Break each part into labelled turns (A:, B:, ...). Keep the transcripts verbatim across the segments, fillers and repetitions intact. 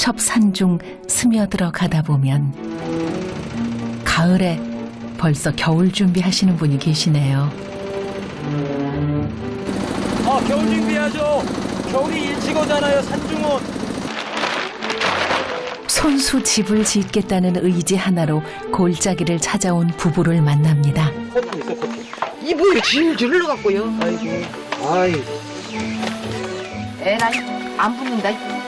A: 첩첩산 중 스며들어 가다 보면 가을에 벌써 겨울 준비하시는 분이 계시네요.
B: 아, 겨울 준비하죠. 겨울이 일찍 오잖아요, 산중은.
A: 손수 집을 짓겠다는 의지 하나로 골짜기를 찾아온 부부를 만납니다.
B: 커튼 있어, 커튼.
C: 이불이 질질 흘러갖고요. 아이고.
B: 아이,
C: 에라이, 안 붙는다.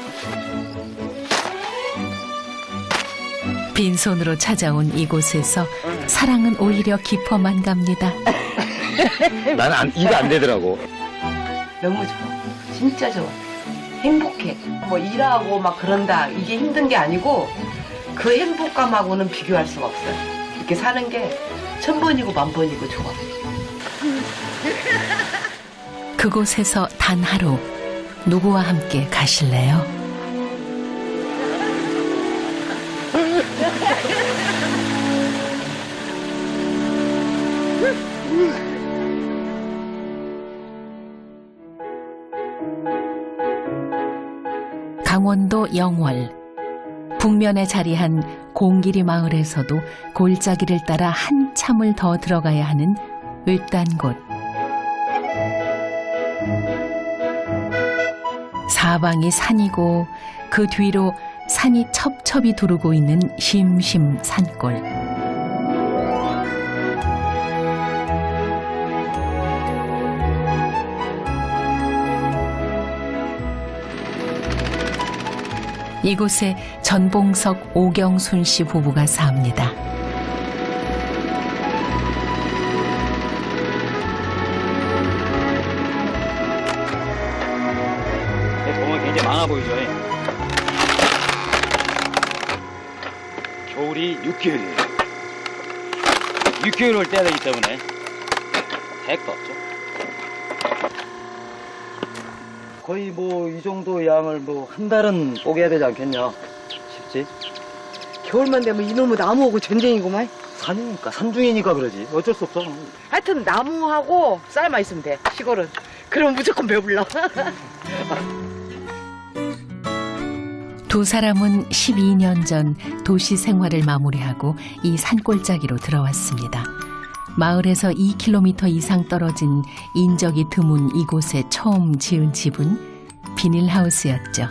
A: 빈손으로 찾아온 이곳에서 사랑은 오히려 깊어만 갑니다.
B: 나는 안, 이가 안 되더라고.
C: 너무 좋아. 진짜 좋아. 행복해. 뭐 일하고 막 그런다. 이게 힘든 게 아니고 그 행복감하고는 비교할 수가 없어요. 이렇게 사는 게 천 번이고 만 번이고 좋아.
A: 그곳에서 단 하루 누구와 함께 가실래요? 강원도 영월 북면에 자리한 공길이 마을에서도 골짜기를 따라 한참을 더 들어가야 하는 외딴 곳. 사방이 산이고 그 뒤로 산이 첩첩이 두르고 있는 심심 산골. 이곳에 전봉석 오경순 씨 부부가 삽니다.
B: 보면 굉장히 많아 보이죠. 겨울이 육 개월이에요. 육 개월을 떼야 되기 때문에 택도 없죠. 거의 뭐 이 정도 양을 뭐 한 달은 뽀개야 되지 않겠냐 싶지?
C: 겨울만 되면 이놈의 나무하고 전쟁이구만.
B: 산이니까, 산중이니까 그러지. 어쩔 수 없어.
C: 하여튼 나무하고 쌀만 있으면 돼. 시골은. 그러면 무조건 배불러.
A: 두 사람은 십이 년 전 도시 생활을 마무리하고 이 산골짜기로 들어왔습니다. 마을에서 이 킬로미터 이상 떨어진 인적이 드문 이곳에 처음 지은 집은 비닐하우스였죠.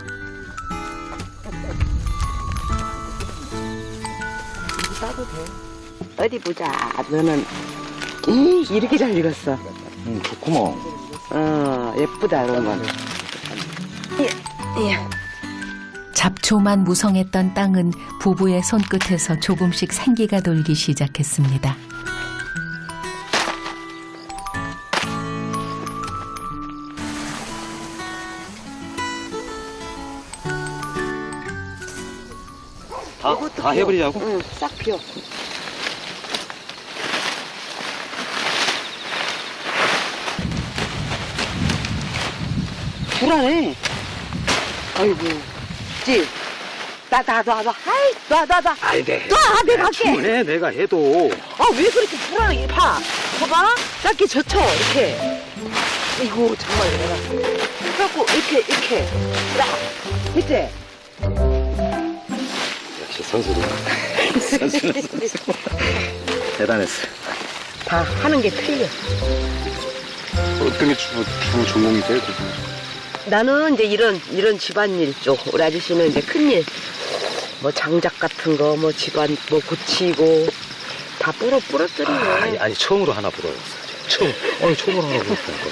C: 싸도 돼. 어디 보자. 너는 이, 이렇게 잘 익었어.
B: 응, 좋구먼.
C: 어, 예쁘다 이런 건. 예, 예.
A: 잡초만 무성했던 땅은 부부의 손끝에서 조금씩 생기가 돌기 시작했습니다.
B: 다, 다 해버리자고?
C: 응, 싹 피워. 불안해. 아이고, 지. 나, 나, 나, 나, 아이, 나, 나, 나.
B: 아이, 네.
C: 놔, 내가 할게.
B: 충분해, 내가 해도.
C: 아, 왜 그렇게 불안하게 봐? 봐봐. 짧게 젖혀, 이렇게. 이거 정말 내가. 그래갖고, 이렇게, 이렇게. 딱. 밑에.
B: 역시 선수도. 선수는 선수. 대단했어.
C: 다 하는 게 틀려.
B: 어떤 게 주, 주 전공이 돼요?
C: 나는 이제 이런, 이런 집안일 쪽. 우리 아저씨는 이제 큰일. 뭐 장작 같은 거, 뭐 집안, 뭐 고치고. 다 뿌러, 뿌러뜨리네.
B: 아, 아니, 아니, 처음으로 하나 불어였어. 처음, 아니, 처음으로 하나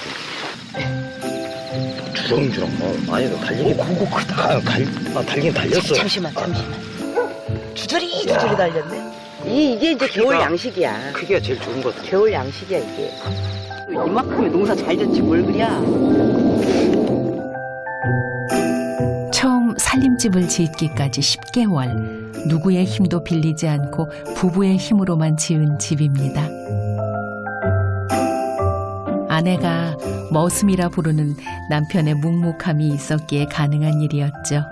B: 불었거든. 주렁주렁. 어, 아니, 너 달리긴. 오, 그거 크다. 아, 달, 아, 달리긴 달렸어.
C: 잠시만, 잠시만. 주저리, 주저리 달렸네. 이, 이게 이제 겨울 양식이야.
B: 크기가 제일 좋은 것 같아.
C: 겨울 양식이야, 이게. 이만큼의 농사 잘 졌지, 뭘 그랴.
A: 처음 살림집을 짓기까지 십 개월, 누구의 힘도 빌리지 않고 부부의 힘으로만 지은 집입니다. 아내가 머슴이라 부르는 남편의 묵묵함이 있었기에 가능한 일이었죠.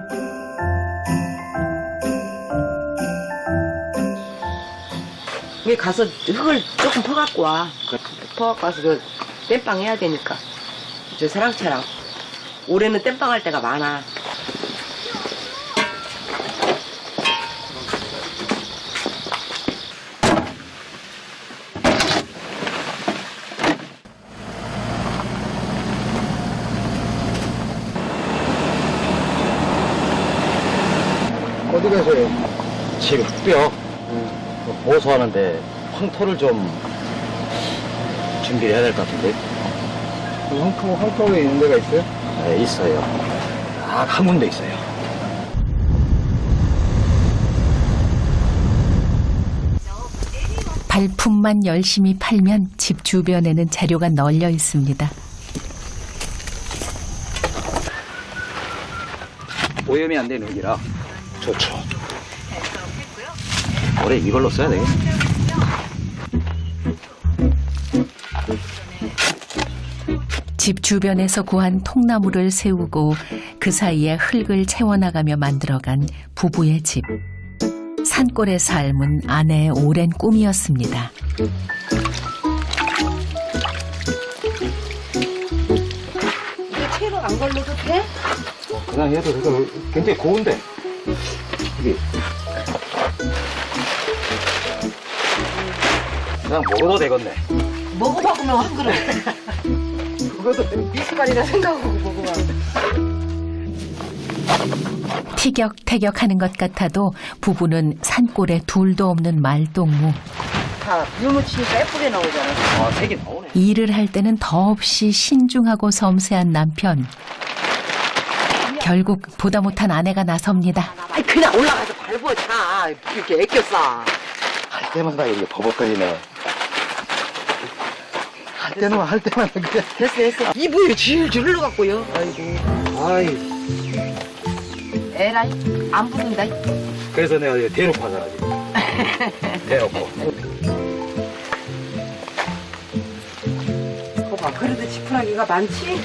C: 여기 가서 흙을 조금 퍼갖고 와. 퍼갖고 와서 저 땜빵 해야 되니까. 저 사랑채랑. 올해는 땜빵 할 때가 많아.
D: 가세요?
B: 지금 흑뼈 보수하는데 황토를 좀 준비해야 될 것 같은데.
D: 황토, 황토에 있는 데가 있어요?
B: 네, 있어요. 딱 한 군데 있어요.
A: 발품만 열심히 팔면 집 주변에는 재료가 널려 있습니다.
B: 오염이 안 되는 기라 좋죠. 올해 이걸로 써야 되겠네.
A: 집 주변에서 구한 통나무를 세우고 그 사이에 흙을 채워나가며 만들어간 부부의 집. 산골의 삶은 아내의 오랜 꿈이었습니다.
C: 이게 채로 안 걸러도 돼?
B: 그냥 해도 이거 굉장히 고운데. 이게 그냥 먹어도 되겠네.
C: 먹어봐 그러면 한 그릇. 그것도 미숫가루라 생각하고 먹어봐.
A: 티격태격하는 것 같아도 부부는 산골에 둘도 없는 말동무.
C: 다 물묻히니까 예쁘게 나오잖아.
B: 아, 색이 나오네.
A: 일을 할 때는 더없이 신중하고 섬세한 남편. 결국 보다 못한 아내가 나섭니다.
C: 아니 그냥 올라가서 밟어 차. 이렇게 애껴 싸.
B: 할 때마다 이게 버벅거리네.
D: 할 때는 할 때마다 그냥.
C: 됐어 됐어. 이불이 질질 흘러갖고요. 아이고.
B: 아이.
C: 에라이 안 붙는다.
B: 그래서 내가 이거 대놓고 하잖아, 지금. 대놓고.
C: 거봐 그래도 지푸라기가 많지?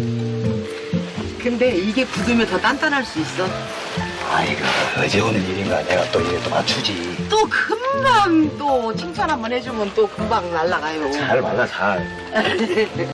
C: 근데 이게 굳으면 더 단단할 수 있어.
B: 아이고, 어제 오는 일인가. 내가 또 이게 또 맞추지.
C: 또 금방 또 칭찬 한번 해주면 또 금방 날아가요.
B: 잘 말라, 잘.